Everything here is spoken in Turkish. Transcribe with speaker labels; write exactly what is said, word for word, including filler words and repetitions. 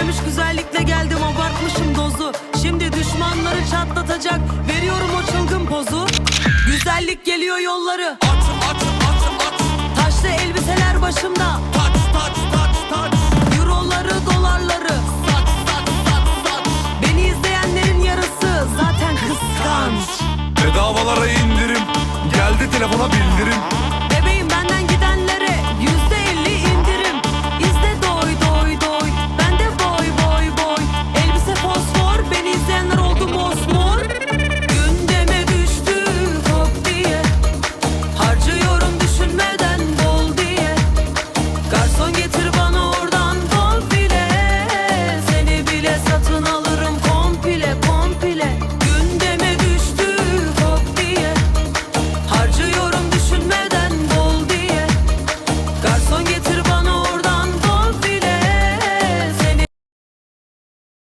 Speaker 1: Gelmiş güzellikle geldim, abartmışım dozu. Şimdi düşmanları çatlatacak, veriyorum o çılgın pozu. Güzellik geliyor yolları,
Speaker 2: At at at at.
Speaker 1: taşlı elbiseler başımda.
Speaker 2: Tak